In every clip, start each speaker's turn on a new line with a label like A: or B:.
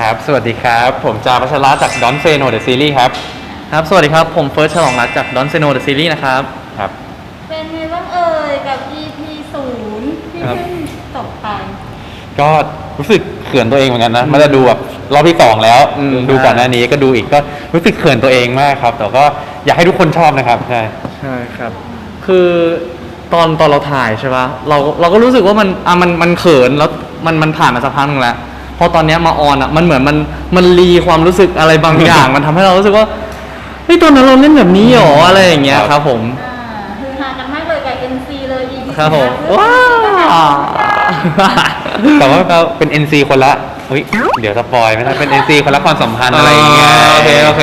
A: ครับสวัสดีครับผมจาพัชระจาก Don't Say No The Series ครับ
B: ครับสวัสดีครับผมเฟิร์สฉลองรัตน์จาก Don't Say No The Series นะครับ
A: ครับ
C: เป็นไงบ้างเอ่ยกับ EP 0ที่เพิ่งจบไป
A: ก็รู้สึกเขินตัวเองเหมือนกันนะมันจะดูแบบรอบที่2แล้วดูก่อนหน้านี้ก็ดูอีกก็รู้สึกเขินตัวเองมากครับแต่ก็อยากให้ทุกคนชอบนะครับใช่
B: ครับคือตอนเราถ่ายใช่ปะเราก็รู้สึกว่ามันเขินแล้วมันผ่านมาสักพักนึงแล้วพอตอนเนี้ยมาออนอ่ะมันเหมือนมันรีความรู้สึกอะไรบางอย่าง มันทำให้เรารู้สึกว่าเฮ้ยตอนนั้นเราเล่นแบบนี้หรออะไรอย่างเงี้ยครับผม
C: คือฮากันมากเลยกับ NC เลย EP
B: ครับผม
C: ว้าว
A: แต่ว่าเป็น NC คนละเฮ้ยเดี๋ยวสปอยไม่ได้เป็น NC คนละความสัมพันธ์อะไรอย่างเงี้ย
B: โอเค
C: แล้ว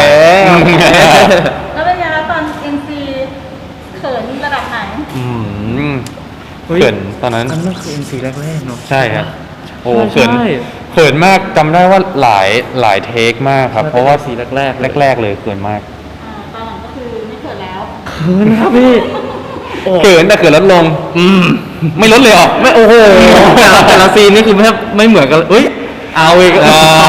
C: เป็นไงแล้วตอน NC เขินระดับไหน
A: เขินตอนนั้น
B: นั่นคือ NC แรกๆเนาะ
A: ใช่ครับโอ้เขินมากจำได้ว่าหลายเทคมากครับเพราะว่า
B: สีแรก
A: เลยเขินมาก
C: ตอนหลังก็คือไม่เขินแล้ว
B: เขินครับพี่
A: เขินแต่เขินลดลงไม่ลดเลยหรอ
B: ไม่โอ้โหแต่ละซีนนี่คือไม่เหมือนกันเอ้ยเอาอีก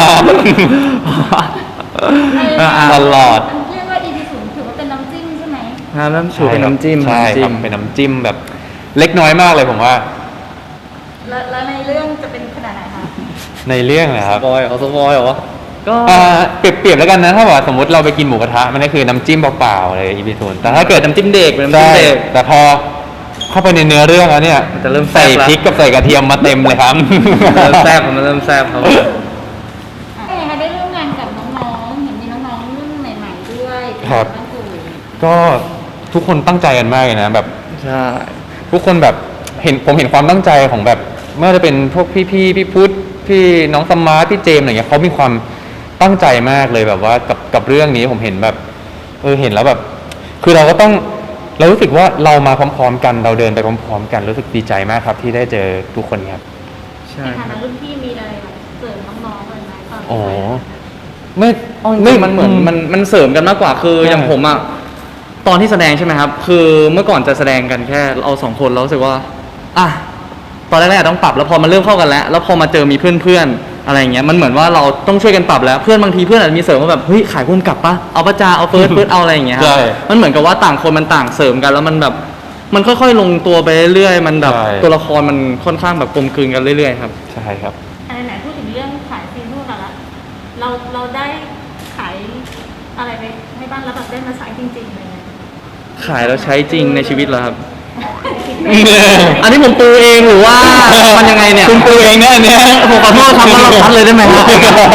A: ตลอด
C: เรียกว่า EP 0ถือว่าเป็นน้ำจิ้มใช่ไหม
B: น้ำชูเป็นน้ำจิ้ม
A: ใช่ครับเป็นน้ำจิ้มแบบเล็กน้อยมากเลยผมว่า
C: แล้วในเรื่องจะเป็นขนาดไหนคะ
A: ในเรื่องนะครับ
B: สปอยเหรอ
A: ก็เปรียบแล้วกันนะถ้าว่าสมมติเราไปกินหมูกระทะมันก็คือน้ำจิ้มเปล่าๆเลยอีพี0แต่ถ้าเกิด
B: น้ำจิ้มเด็กเป็นน้ำจิ้มเด็ก
A: แต่พอเข้าไปในเนื้อเรื่องแล้วเนี่ย
B: จะเริ่ม
A: ใส่พริกกับใส่กระเทียมมาเต็มเลยครับ
B: มันเริ่มแซ่บครับ
C: ได้ร่วมงานกับน้องๆเห็นมีน้องๆรุ่นใหม่ๆด้วย
A: ครับก็ทุกคนตั้งใจกันมากเลยนะแบบ
B: ใช่
A: ทุกคนแบบผมเห็นความตั้งใจของแบบไม่ว่าจะเป็นพวกพี่พุทธพี่น้องสมาร์ทพี่เจมอะไรเงี้ยเขามีความตั้งใจมากเลยแบบว่ากับเรื่องนี้ผมเห็นแบบเห็นแล้วแบบคือเรารู้สึกว่าเรามาพร้อมๆกันเราเดินไปพร้อมๆกันรู้สึกดีใจมากครับที่ได้เจอทุกคนครับ
C: ใช่ในฐานะรุ่นพี่มีอะไรเสริมน้องๆเลยไหมตอน
B: ไม่มันเหมือนมันเสริมกันมากกว่าคืออย่างผมอ่ะตอนที่แสดงใช่ไหมครับคือเมื่อก่อนจะแสดงกันแค่เรา2คนเรารู้สึกว่าตอนแรกๆต้องปรับแล้วพอมันเริ่มเข้ากันแล้วพอมาเจอมีเพื่อนๆอะไรอย่างเงี้ยมันเหมือนว่าเราต้องช่วยกันปรับแล้วเพื่อนบางทีเพื่อนอาจจะมีเสริมว่าแบบเฮ้ยขายพุ่มกลับปะเอาประจาเอาเฟิร์สเอาอะไรอย่างเงี้ยครับมันเหมือนกับว่าต่างคนมันต่างเสริมกันแล้วมันแบบมันค่อยๆลงตัวไปเรื่อยๆมันแบบตัวละครมันค่อนข้างแบบกลมกลืนกันเรื่อยๆครับ
A: ใช่ครับ
C: ไหนพูดถึงเรื่องขายซีนพูดกันละเราได้ขายอะไรไปให้บ้างแล้วแบบได้มาใช้จริงๆเลย
B: ขายแล้วใช้จริงในชีวิตเหรอครับอันนี้ผมปูเองหรือว่ามันยังไงเนี่ย
A: คุณปูเองเนี่ย
B: ผมขอโทษครับเราทัดเลยได้ไหมครับ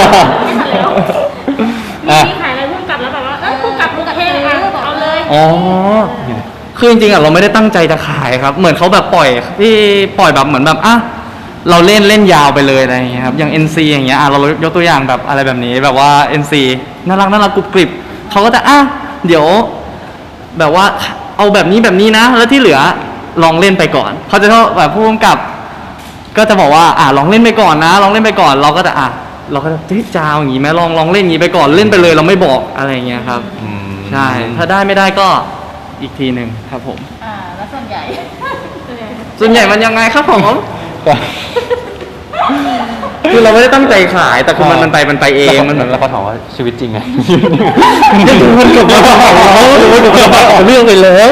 C: มีขายอะไรพุ่งกลับแล้วแบบว่าพุ่งกลับเท่เอาเลย
B: คือจริงๆเราไม่ได้ตั้งใจจะขายครับเหมือนเขาแบบปล่อยแบบเหมือนแบบเราเล่นยาวไปเลยอะไรอย่างเงี้ยครับอย่าง NC อย่างเงี้ยเรายกตัวอย่างแบบอะไรแบบนี้แบบว่า NC น่ารักกรุบกริบเขาก็จะเดี๋ยวแบบว่าเอาแบบนี้นะแล้วที่เหลือลองเล่นไปก่อนเขาจะชอบแบบผู้กำกับก็จะบอกว่าลองเล่นไปก่อนนะลองเล่นไปก่อนเราก็จะจาวอย่างงี้ไหมลองเล่นอย่างงี้ไปก่อนเล่นไปเลยเราไม่บอกอะไรอย่างเงี้ยครับใช่ถ้าได้ไม่ได้ก็อีกทีหนึ่งครับผม
C: แล้วส่วนใหญ่
B: มันยังไงครับผมคือเราไม่ได้ตั้งใจขายแต่คือมันไปเองมันเหมือน
A: เราก็ถามว่าชีวิตจริงไง
B: มันจบมาเรื่องไปแล้ว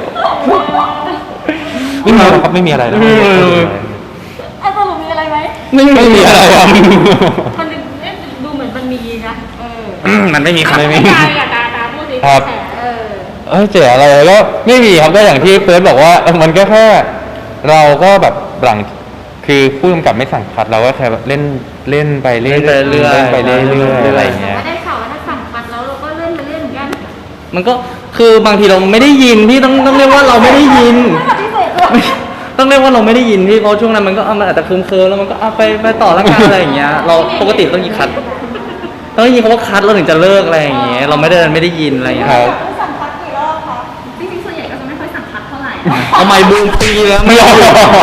A: ไม่มีอะไรนะ
C: สรุปมีอะไรไหม
A: ไม่มีอะไรครับ
C: มันดูเหมือนมันมีนะ
B: มันไม่มีครับไม่มี
C: ตาพูดสิ
A: ครับเจ๋ออะไรก็ไม่มีครับก็อย่างที่เฟิร์สบอกว่ามันก็แค่เราก็แบบหลังคือผู้กำกับไม่สั่งคัดเราก็แค่เล่นไปเรื่อยอะไรอย่างเงี้ย
C: ได้ข่าวว่าถ้าสั่งคัดแล้วเราก็เล่นไปเรื่อยเหมือนกัน
B: มันก็คือบางทีเราไม่ได้ยินพี่ต้องเรียกว่าเราไม่ได้ยินต้องเรียกว่าเราไม่ได้ยินพี่เพราะช่วงนั้นมันก็มันอาจจะเคิมแล้วมันก็ไปต่อละกันอะไรอย่างเงี้ยเราปกติต้องยินคัดต้องยินเขาว่าคัดเราถึงจะเลิกอะไรอย่างเงี้ยเราไม่ได้ยินอะไรอย่างเงี้ย
C: สั่งคัดกี่รอบคะจริงๆส่วนใหญ่ก็จะไม่ค่อยสั่งคัดเท่าไหร่
B: เอาไมค์บูมปีแล้วไม่ยอม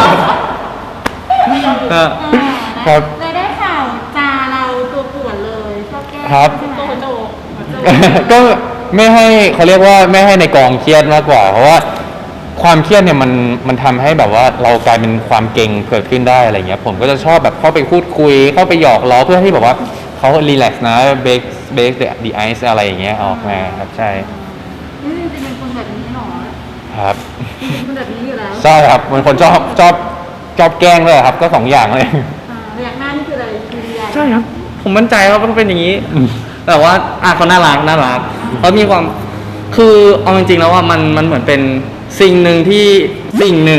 A: ครับ
C: เลยได้ข่าวจาเราตัวปวดเลยชอบแก้ตัวโจ
A: ก็ไม่ให้เขาเรียกว่าไม่ให้ในกองเครียดมากกว่าเพราะว่าความเครียดเนี่ยมันทำให้แบบว่าเรากลายเป็นความเก่งเกิดขึ้นได้อะไรเงี้ยผมก็จะชอบแบบเข้าไปพูดคุยเข้าไปหยอกล้อเพื่อให้แบบว่าเขเขารีแลกซ์นะเบรกthe ice อะไรอย่างเงี้ยออกมาครับใช่
C: นี่จริงๆเป็นคนแบบนี้หรอ
A: ครับ
C: จริงๆเป็นคนแบบนี้อยู่แล้ว
A: ใช่ครับเป็นคนชอบแกล้งด้วยครับก็สองอย่างเลย
C: พยักหน้านี่คืออะไรคือเรียน
B: ใช่ครับ ผมมั่นใจว่าเขาเป็นอย่างนี้ แต่ว่าเขาน่ารักเขามีความคือเอาจริงๆแล้วว่ามันเหมือนเป็นสิ่งหนึ่งที่สิ่งหนึ่ง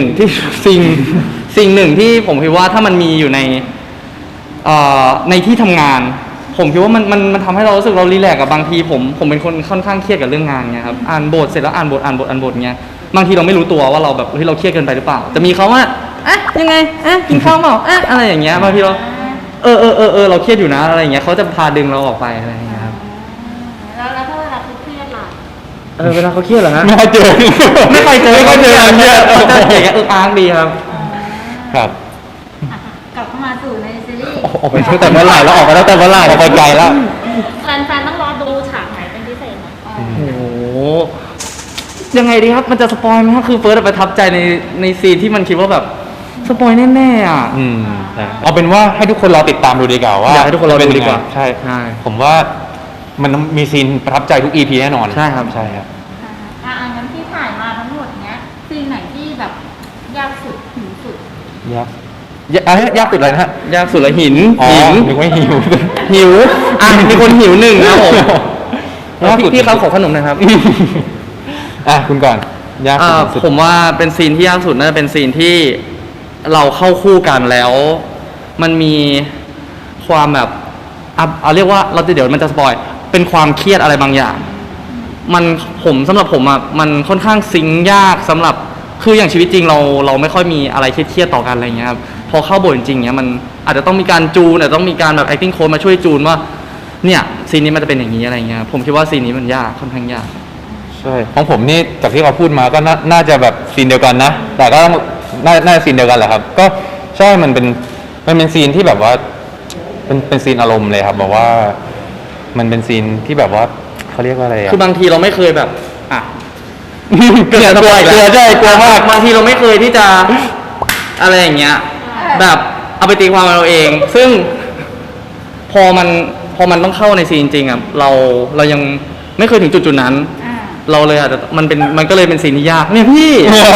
B: ที่ผมคิดว่าถ้ามันมีอยู่ในที่ทำงาน ผมคิดว่ามันทำให้เรารู้สึกเรารีแลกซ์กับบางทีผมเป็นคนค่อนข้างเครียดกับเรื่องงานไงครับอ่านบทเสร็จแล้วอ่านบทเงี้ยบางทีเราไม่รู้ตัวว่าเราแบบเราเครียดเกินไปหรือเปล่าแต่มีเขาว่ายังไงกินข้าวเปล่าอะไรอย่างเงี้ยบางทีเราเราเครียดอยู่นะอะไรอย่างเงี้ยเขาจะพาดึงเราออกไปอะไรอย่างเงี้ยครับ
C: แล้วถ้าเวลาเขาเครียดล่ะ
B: เวลาเขาเครียดเหรอฮะ
A: ไม่ค่อยเจอ
B: ไม่เคยเจอ
A: ไม่ค่อยเจอเนี่ย
B: เขาจะอย่างเงี้ยอ้างดีครับ
A: ครับ
C: กลับเข้ามาสู่ในซีรีส์
A: ออกไปตั้งแต่เมื่อไหร่แล้วออกไปตั้งแต่เมื่อไหร่ออกไปไกลแล้ว
C: แฟนๆต้องรอดูฉากไหนเป็นพิเศษไหม
B: โอ้โหยังไงดีครับมันจะสปอยไหมครับคือเฟิร์สประทับใจในซีนที่มันคิดว่าแบบสปอยแน่ๆอ่ะ
A: ใช่เอาเป็นว่าให้ทุกคนรอติดตามดูดีกว่าว่า
B: อยากให้ทุกคนรอดูดีกว่า
A: ใช่
B: ใช่
A: ผมว่ามันมีซีนประทับใจทุก EP แน่นอน
B: ใช่ครับ
A: ใช่ครับ
C: งั้นที่ถ่ายมาทั้งหมดเนี้ยซีนไหนที่แบบยากสุดหิวสุด
A: ยากยากสุดเลยนะฮะ
B: ยากสุดละหิน
A: อ๋อ
B: หิน
A: นึกว่าหิว
B: หิวมีคนหิวหนึ่งนะผม
A: ยากสุด
B: พี่เขาขอขนมหนะครับ
A: คุณก่อนยากสุด
B: ผมว่าเป็นซีนที่ยากสุดน่าจะเป็นซีนที่เราเข้าคู่กันแล้ว มันมีความแบบเอาเรียกว่าเดี๋ยวมันจะสปอยเป็นความเครียดอะไรบางอย่างสำหรับผมอ่ะมันค่อนข้างซิงค์ยากสำหรับคืออย่างชีวิตจริงเราไม่ค่อยมีอะไรเครียดๆต่อกันอะไรเงี้ยครับพอเข้าบทจริงๆเนี้ยมันอาจจะต้องมีการจูนอาจจะต้องมีการแบบ acting coach มาช่วยจูนว่าเนี่ยซีนนี้มันจะเป็นอย่างนี้อะไรเงี้ยผมคิดว่าซีนนี้มันยากค่อนข้างยาก
A: ใช่ของผมนี่จากที่เขาพูดมาก็น่าจะแบบซีนเดียวกันนะ แต่ก็ต้องน่าจะซีนเดียวกันแหละครับ ก็ใช่มันเป็นซีนที่แบบว่าเป็นซีนอารมณ์เลยครับบอกว่ามันเป็นซีนที่แบบว่าเขาเรียกว่าอะไรอะ
B: คือบางทีเราไม่เคยแบบ
A: กลัวใช่กลัวมาก
B: บางทีเราไม่เคยที่จะอะไรอย่างเงี้ย แบบเอาไปตีความเราเอง ซึ่งพอมันต้องเข้าในซีนจริงๆอ่ะเรายังไม่เคยถึงจุดนั้น เราเลยอาจจะมันก็เลยเป็นซีนที่ยากเนี่ยพี่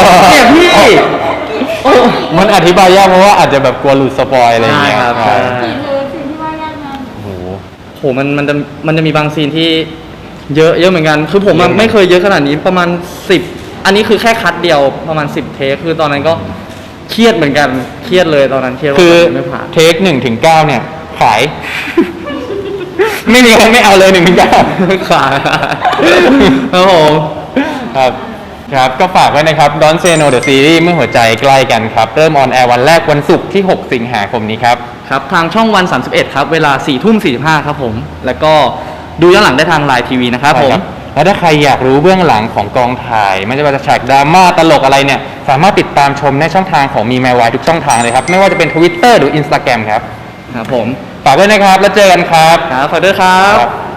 A: มันอธิบายยากเพราะว่าอาจจะแบบกลัวหลุดสปอยอะไรอย่างเงี้ย
B: ใช่ครับ
A: ใช่
C: ซีนเลยซีนที่ว่ายากนั้น
A: โอ้โห
B: โหมันจะมีบางซีนที่เยอะเหมือนกัน คือผม
A: เยอะเหมือนกัน
B: ไม่เคยเยอะขนาดนี้ประมาณ10อันนี้คือแค่คัดเดียวประมาณ10เทคคือตอนนั้นก็เครียดเหมือนกันเครียดเลยตอนนั้นเครียดว่า
A: คือ
B: ไม่ผ่าน
A: เทค1 ถึง 9เนี่ย ขาย ไม่มีใครไม่เอาเลย1 ถึง 9
B: ขาครับผม
A: ครับก็ฝากไว้นะครับ Don't Say No The Series เมื่อหัวใจใกล้กันครับ เริ่มออนแอร์วันแรกวันศุกร์ที่ 6 สิงหาคมนี้ครับ
B: ครับทางช่องวัน31ครับเวลา4:45ครับผมแล้วก็ดูย้อนหลังได้ทางไลน์ทีวีนะครับผม
A: แล้วถ้าใครอยากรู้เบื้องหลังของกองถ่ายไม่ว่าจะฉากดราม่าตลกอะไรเนี่ย สามารถติดตามชมในช่องทางของมีแมวายทุกช่องทางเลยครับ ไม่ว่าจะเป็น Twitter หรือ Instagram ครับ
B: ครับผม
A: ฝากด้วยนะครับ แล้วเจอกันครับ
B: ครับฝากด้วยครับ
A: ครับ